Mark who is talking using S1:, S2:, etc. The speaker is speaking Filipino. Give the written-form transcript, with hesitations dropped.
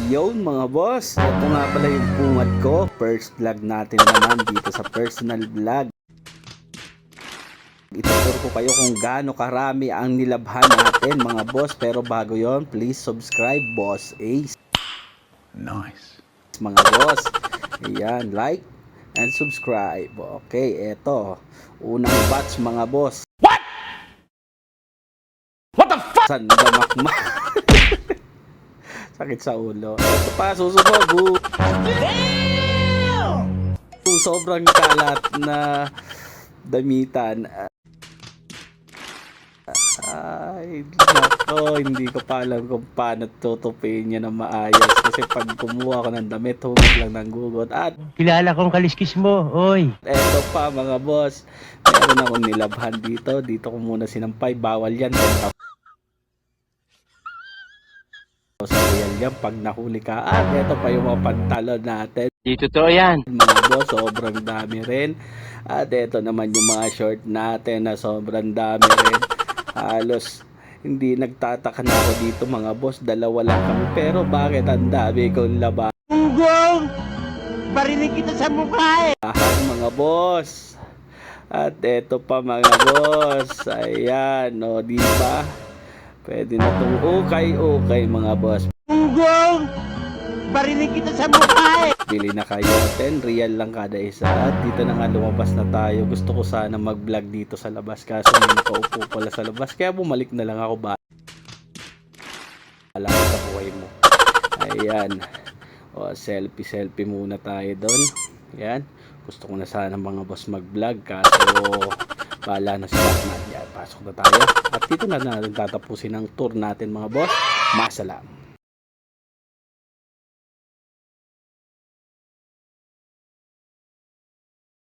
S1: Ayun mga boss, ito nga pala yung bungad ko. First vlog natin naman dito sa personal vlog. Ituturo ko kayo kung gaano karami ang nilabhan natin mga boss. Pero bago yon, please subscribe, Boss Ace.
S2: Nice.
S1: Mga boss, ayan, like and subscribe. Okay, eto, unang batch mga boss.
S2: What the fuck?
S1: Sandamakma. Sakit sa ulo. Ito pa, susunod. Sobrang kalat na damitan. Ay, nako, hindi ko pa alam kung paano tutupiin niya na maayos. Kasi pag kumuha ko ng damit, hugot lang ng gugot. At
S3: Kilala kong kaliskis mo, oy.
S1: eto pa mga boss, meron akong nilabhan dito. Dito ko muna sinampay. Bawal yan. 10,000 real yan pag nahuli ka. At eto pa yung mga pantalon natin.
S3: Di totoo yan.
S1: Mga boss, sobrang dami rin. At eto naman yung mga short natin na sobrang dami rin. Halos hindi nagtataka na ako dito mga boss, dalawa lang kami. Pero bakit ang dami kong labahan
S3: Unggong! Barinig kita sa mukha eh!
S1: mga boss? At eto pa mga boss. Ayan, o diba? Pwede na itong ukay mga boss.
S3: Unggong! Barinig kita sa mukha eh!
S1: Bili na kayo, 10 real lang kada isa. At dito na nga lumabas na tayo. Gusto ko sana mag-vlog dito sa labas, kaso may nakaupo pala sa labas, kaya bumalik na lang ako. Bahala ka sa buhay mo. Ayan, o selfie muna tayo doon. Ayan, gusto ko na sana mga boss mag-vlog, kaso bahala na sila natin. Pasok na tayo. At dito na natin tatapusin ang tour natin mga boss. Masalam.